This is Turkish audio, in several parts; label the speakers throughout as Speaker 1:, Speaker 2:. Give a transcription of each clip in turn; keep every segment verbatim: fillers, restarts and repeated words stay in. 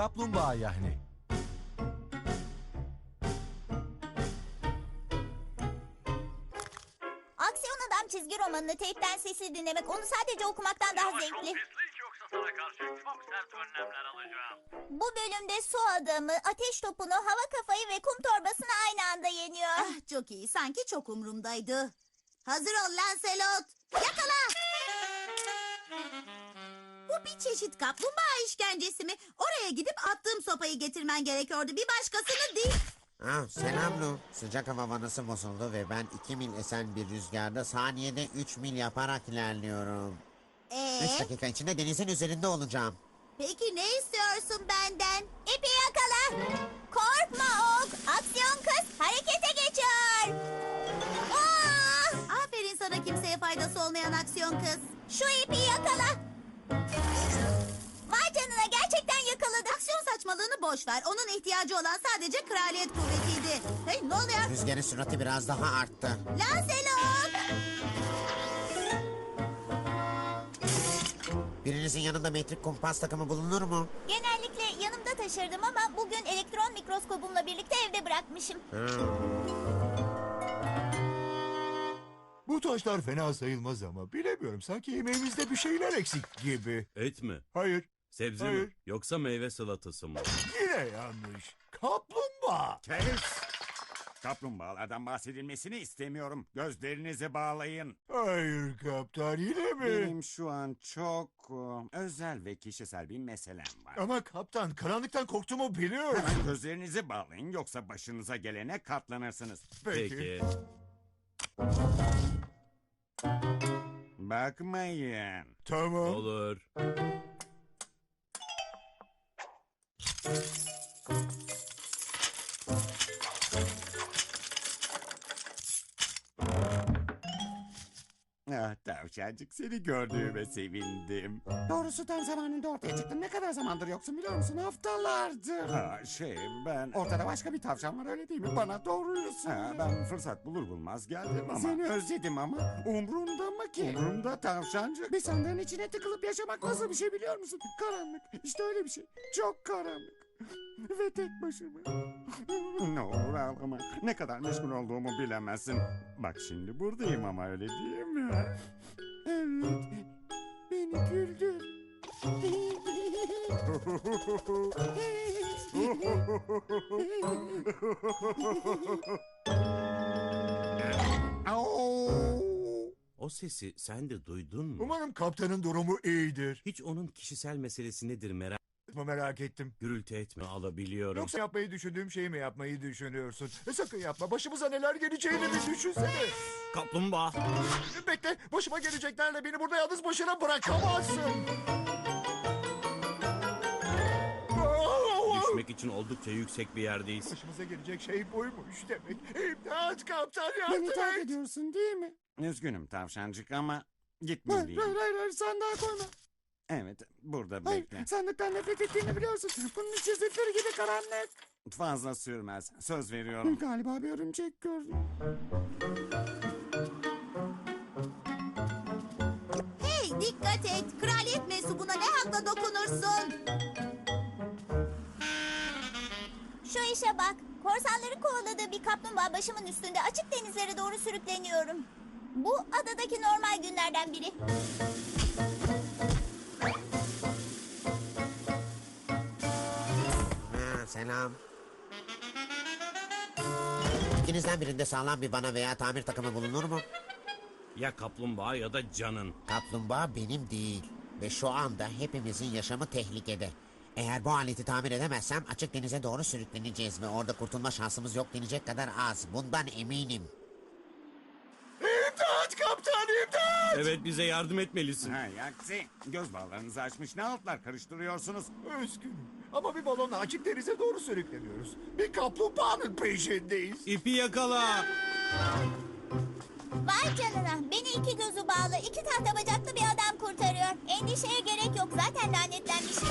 Speaker 1: kaplumbağa yani.
Speaker 2: Aksiyon Adam çizgi romanını teypten sesli dinlemek onu sadece okumaktan daha
Speaker 3: Savaş çok
Speaker 2: zevkli.
Speaker 3: pislik, yoksa sana karşı çok sert önlemler alacağım.
Speaker 2: Bu bölümde su adamı, ateş topunu, hava kafayı ve kum torbasını aynı anda yeniyor.
Speaker 4: Ah, çok iyi. Sanki çok umurumdaydı. Hazır ol Lancelot. Yakala! Bu bir çeşit kaplumbağa işkencesi mi? Oraya gidip attığım sopayı getirmen gerekiyordu. Bir başkasını değil.
Speaker 5: Ah, selam Lu. Sıcak hava vanası bozuldu ve ben iki mil esen bir rüzgarda saniyede üç mil yaparak ilerliyorum.
Speaker 4: Ee,
Speaker 5: Üç dakika içinde denizin üzerinde olacağım.
Speaker 4: peki ne istiyorsun benden?
Speaker 2: İpi yakala. Korkma Ok. Aksiyon kız harekete geçiyor. Aa!
Speaker 4: Aferin sana kimseye faydası olmayan aksiyon kız.
Speaker 2: Şu ipi yakala. Vay canına gerçekten yakaladı.
Speaker 4: Aksiyon saçmalığını boş ver. Onun ihtiyacı olan sadece kraliyet kuvvetiydi. Hey ne oluyor?
Speaker 5: Rüzgarın sürati biraz daha arttı.
Speaker 4: Lancelot!
Speaker 5: Birinizin yanında metrik kumpas takımı bulunur mu?
Speaker 2: Genellikle yanımda taşırdım ama bugün elektron mikroskobumla birlikte evde bırakmışım.
Speaker 6: Bu taşlar fena sayılmaz ama bilemiyorum. Sanki yemeğimizde bir şeyler eksik gibi.
Speaker 7: Et mi?
Speaker 6: Hayır,
Speaker 7: Sebze
Speaker 6: Hayır.
Speaker 7: mi? Yoksa meyve salatası mı?
Speaker 6: yine yanlış. Kaplumbağa.
Speaker 8: Kes! Kaplumbağalardan bahsedilmesini istemiyorum. Gözlerinizi bağlayın.
Speaker 6: Hayır kaptan, yine mi?
Speaker 8: Benim şu an çok e, özel ve kişisel bir meselem var.
Speaker 6: Ama kaptan, karanlıktan korktuğumu biliyorum.
Speaker 8: Hemen gözlerinizi bağlayın, yoksa başınıza gelene katlanırsınız.
Speaker 6: Peki.
Speaker 7: Peki.
Speaker 8: Bakmayın.
Speaker 6: Tamam.
Speaker 7: Olur.
Speaker 8: Ah tavşancık, seni gördüğüme sevindim. Doğrusu tam zamanında ortaya çıktın. Ne kadar zamandır yoksun biliyor musun? Haftalardır. Ha, şey ben... Ortada başka bir tavşan var, öyle değil mi? Bana doğruyu söyle. Ha, ben fırsat bulur bulmaz geldim ama... Seni özledim ama umrunda mı ki? Umrumda tavşancık. Bir sandığın içine tıkılıp yaşamak nasıl bir şey biliyor musun? Karanlık. İşte öyle bir şey. Çok karanlık. Ve tek başıma. Ne olur ağlama. Ne kadar meşgul olduğumu bilemezsin. Bak şimdi buradayım ama, öyle değil mi? Evet. Beni güldür. Au!
Speaker 7: O sesi sen de duydun mu?
Speaker 6: Umarım kaptanın durumu iyidir.
Speaker 7: Hiç onun kişisel meselesi nedir merak
Speaker 6: Merak ettim.
Speaker 7: gürültü etme, alabiliyorum.
Speaker 6: Yoksa yapmayı düşündüğüm şeyi mi yapmayı düşünüyorsun? E, sakın yapma. Başımıza neler geleceğini bir düşünsene.
Speaker 7: Kaplumbağa.
Speaker 6: Bekle. Başıma geleceklerle beni burada yalnız başına bırakamazsın.
Speaker 7: Düşmek için oldukça yüksek bir yerdeyiz.
Speaker 6: Başımıza gelecek şey buymuş demek. İmdat kaptan,
Speaker 8: Beni
Speaker 6: yardım
Speaker 8: terk
Speaker 6: et.
Speaker 8: ediyorsun değil mi? Üzgünüm tavşancık ama
Speaker 6: Hayır,
Speaker 8: gitmeliyim.
Speaker 6: hayır, hayır, hayır, sandığa koyma.
Speaker 8: Evet, burada
Speaker 6: Hayır,
Speaker 8: bekle.
Speaker 6: sandıktan nefret ettiğini biliyorsun. Bunun içi zifiri gibi karanlık.
Speaker 8: Fazla sürmez. Söz veriyorum. Galiba bir örümcek gördüm.
Speaker 4: Hey dikkat et. Kraliyet mensubuna ne hakla dokunursun?
Speaker 2: Şu işe bak. Korsanların kovaladığı bir kaplumbağa başımın üstünde açık denizlere doğru sürükleniyorum. Bu adadaki normal günlerden biri.
Speaker 5: Ha, selam. İkinizden birinde sağlam bir bana veya tamir takımı bulunur mu?
Speaker 7: Ya kaplumbağa ya da canın.
Speaker 5: Kaplumbağa benim değil. Ve şu anda hepimizin yaşamı tehlikede. Eğer bu aleti tamir edemezsem açık denize doğru sürükleneceğiz ve orada kurtulma şansımız yok denecek kadar az. Bundan eminim.
Speaker 6: İmdat kaptan, imdat!
Speaker 7: Evet, bize yardım etmelisin.
Speaker 8: Ha, aksi. Göz bağlarınızı açmış ne altlar karıştırıyorsunuz?
Speaker 6: Üzgünüm ama bir balonla açık denize doğru sürükleniyoruz. Bir kaplumbağanın peşindeyiz.
Speaker 7: İpi yakala.
Speaker 2: Vay canına. Beni iki gözü bağlı, iki tahta bacaklı bir adam kurtarıyor. Endişeye gerek yok. Zaten lanetlenmişim.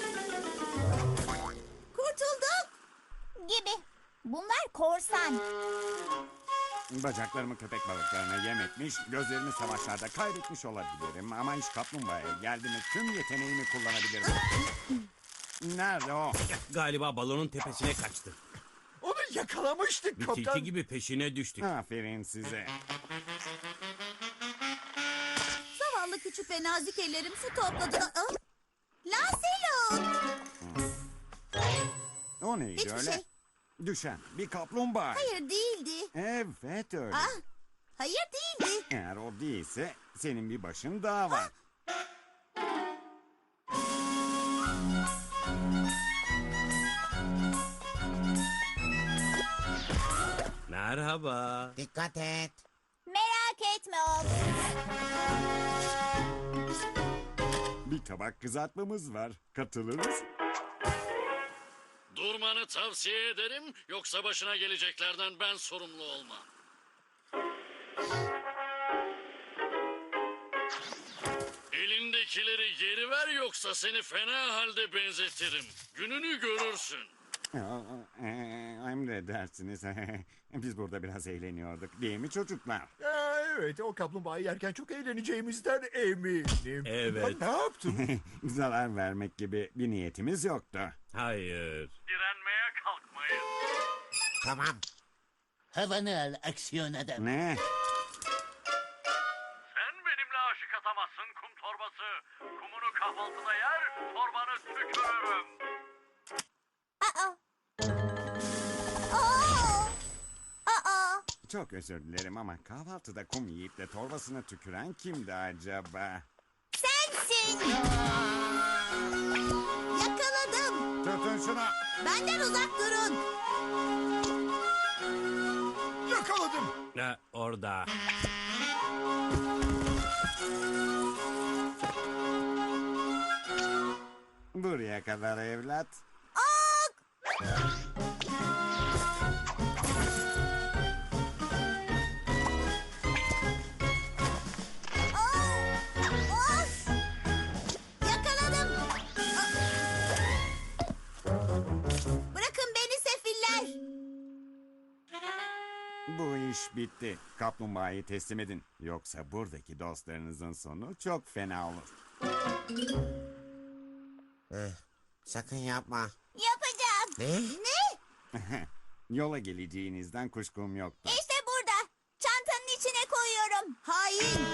Speaker 4: Kurtulduk.
Speaker 2: Gibi. Bunlar korsan.
Speaker 8: Bacaklarımı köpek balıklarına yem etmiş, gözlerimi savaşlarda kaybetmiş olabilirim. Ama iş kaplumbağaya geldi mi tüm yeteneğimi kullanabilirim. Nerede o?
Speaker 7: Galiba balonun tepesine kaçtı.
Speaker 6: Onu yakalamıştık
Speaker 7: Bir
Speaker 6: kaptan.
Speaker 7: tilki gibi peşine düştük.
Speaker 8: Aferin size.
Speaker 4: Zavallı küçük ve nazik ellerim su topladı. Aa, Lancelot!
Speaker 8: O neydi
Speaker 4: Hiçbir
Speaker 8: öyle?
Speaker 4: şey.
Speaker 8: Düşen bir kaplumbağa.
Speaker 4: Hayır değildi.
Speaker 8: Evet öyle.
Speaker 4: Ah, hayır değildi.
Speaker 8: Eğer o değilse senin bir başın daha var.
Speaker 7: Merhaba.
Speaker 5: Dikkat et.
Speaker 2: Merak etme oğlum.
Speaker 8: Bir tabak kızartmamız var. Katılır mısın?
Speaker 1: Durmanı tavsiye ederim, yoksa başına geleceklerden ben sorumlu olmam. Elindekileri geri ver, yoksa seni fena halde benzetirim. Gününü görürsün.
Speaker 8: Aa, e, Emredersiniz. Biz burada biraz eğleniyorduk. Değil mi çocuklar?
Speaker 6: Aa, evet o kaplumbağayı yerken çok eğleneceğimizden eminim.
Speaker 7: Evet.
Speaker 6: Ben ne yaptım?
Speaker 8: Zarar vermek gibi bir niyetimiz yoktu.
Speaker 7: Hayır.
Speaker 3: Direnmeye kalkmayın.
Speaker 5: Tamam.
Speaker 9: Havanı al aksiyon adam.
Speaker 8: Ne?
Speaker 3: Sen benimle aşık atamazsın kum torbası. Kumunu kahvaltıda yer, torbanı tükürürüm.
Speaker 2: Aa. Aa. Aa.
Speaker 8: Çok özür dilerim ama kahvaltıda kum yiyip de torbasına tüküren kimdi acaba?
Speaker 2: Sensin.
Speaker 4: Yakaladım.
Speaker 8: Tutun şunu.
Speaker 4: Benden uzak durun.
Speaker 6: Yakaladım.
Speaker 7: Ha, orada.
Speaker 8: Buraya kadar evlat.
Speaker 2: Aa. Of.
Speaker 4: Yakaladım. Aa. Bırakın beni sefiller.
Speaker 8: Bu iş bitti. Kaplumbağayı teslim edin. Yoksa buradaki dostlarınızın sonu çok fena olur.
Speaker 5: Eh, sakın yapma.
Speaker 2: Yapacağım.
Speaker 5: Ne?
Speaker 2: Ne?
Speaker 8: Yola geleceğinizden kuşkum yoktu.
Speaker 2: İşte burada. Çantanın içine koyuyorum.
Speaker 4: Hain.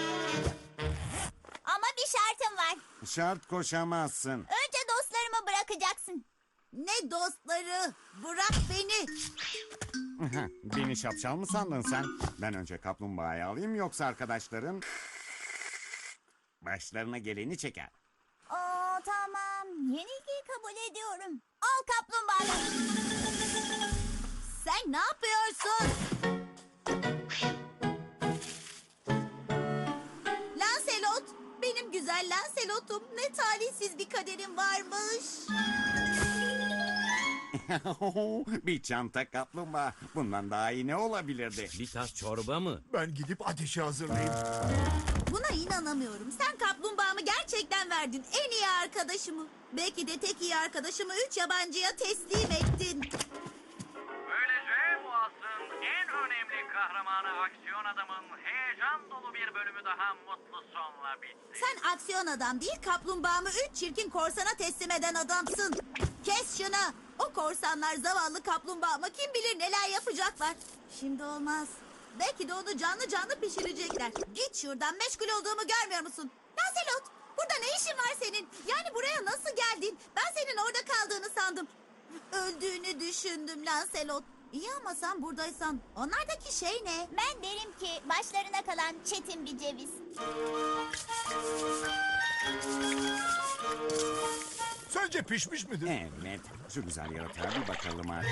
Speaker 2: Ama bir şartım var.
Speaker 8: Şart koşamazsın.
Speaker 2: Önce dostlarımı bırakacaksın.
Speaker 4: Ne dostları. Bırak beni.
Speaker 8: Beni şapşal mı sandın sen? Ben önce kaplumbağayı alayım, yoksa arkadaşların başlarına geleni çeker.
Speaker 2: Aa, tamam. Yenilgiyi kabul ediyorum. Al kaplumbağa.
Speaker 4: Sen ne yapıyorsun? Lancelot. Benim güzel Lancelot'um. Ne talihsiz bir kaderim varmış.
Speaker 8: Bir çanta kaplumbağa. Bundan daha iyi ne olabilirdi?
Speaker 7: Bir tas çorba mı?
Speaker 6: Ben gidip ateşi hazırlayayım.
Speaker 4: Buna inanamıyorum. Sen kaplumbağamı gerçekten verdin. En iyi arkadaşımı. Belki de tek iyi arkadaşımı üç yabancıya teslim ettin.
Speaker 3: Böylece bu asrın en önemli kahramanı aksiyon adamın heyecan dolu bir bölümü daha mutlu sonla bitti.
Speaker 4: Sen aksiyon adam değil, kaplumbağamı üç çirkin korsana teslim eden adamsın. Kes şunu. O korsanlar zavallı kaplumbağama kim bilir neler yapacaklar. Şimdi olmaz. Belki de onu canlı canlı pişirecekler. Git şuradan, meşgul olduğumu görmüyor musun? Lancelot, burada ne işin var senin? Yani buraya nasıl geldin? Ben senin orada kaldığını sandım. Öldüğünü düşündüm Lancelot. İyi ama sen buradaysan onlardaki şey ne?
Speaker 2: Ben derim ki başlarına kalan çetin bir ceviz.
Speaker 6: Sence pişmiş midir?
Speaker 8: Evet, şu güzel yaratığa bir bakalım artık.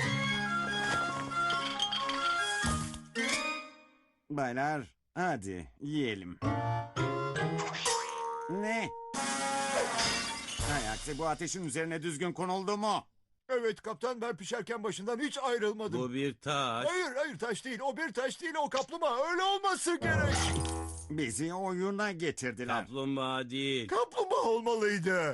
Speaker 8: Baylar, hadi yiyelim. Ne? Hay aksi, bu ateşin üzerine düzgün konuldu mu?
Speaker 6: Evet kaptan, ben pişerken başından hiç ayrılmadım.
Speaker 7: Bu bir taş.
Speaker 6: Hayır hayır, taş değil, o bir taş değil, o kaplumbağa, öyle olması gerek.
Speaker 8: Bizi oyuna getirdiler.
Speaker 7: Kaplumbağa değil.
Speaker 6: Kaplumbağa olmalıydı.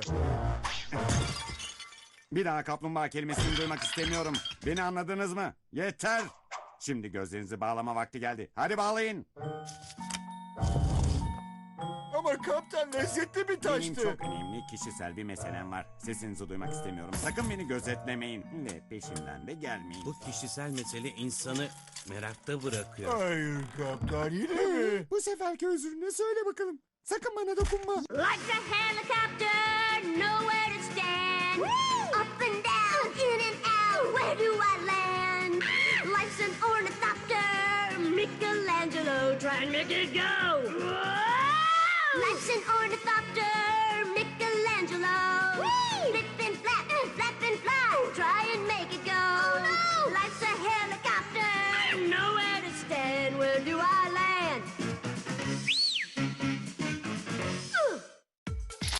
Speaker 8: Bir daha kaplumbağa kelimesini duymak istemiyorum. Beni anladınız mı? Yeter. Şimdi gözlerinizi bağlama vakti geldi. Hadi bağlayın.
Speaker 6: Ama kaptan lezzetli bir taştı.
Speaker 8: Benim çok önemli kişisel bir meselem var. Sesinizi duymak istemiyorum. Sakın beni gözetlemeyin. Ve peşimden de gelmeyin.
Speaker 7: Bu kişisel mesele insanı merakta bırakıyor.
Speaker 6: Hayır kaptan yine mi?
Speaker 8: Bu seferki özrünü söyle bakalım. Sakın bana dokunma.
Speaker 10: Like a helicopter, nowhere to stand. Up and down, in and out, where do I land? Life's an ornithopter, Michelangelo, try and make it go. Life's an ornithopter,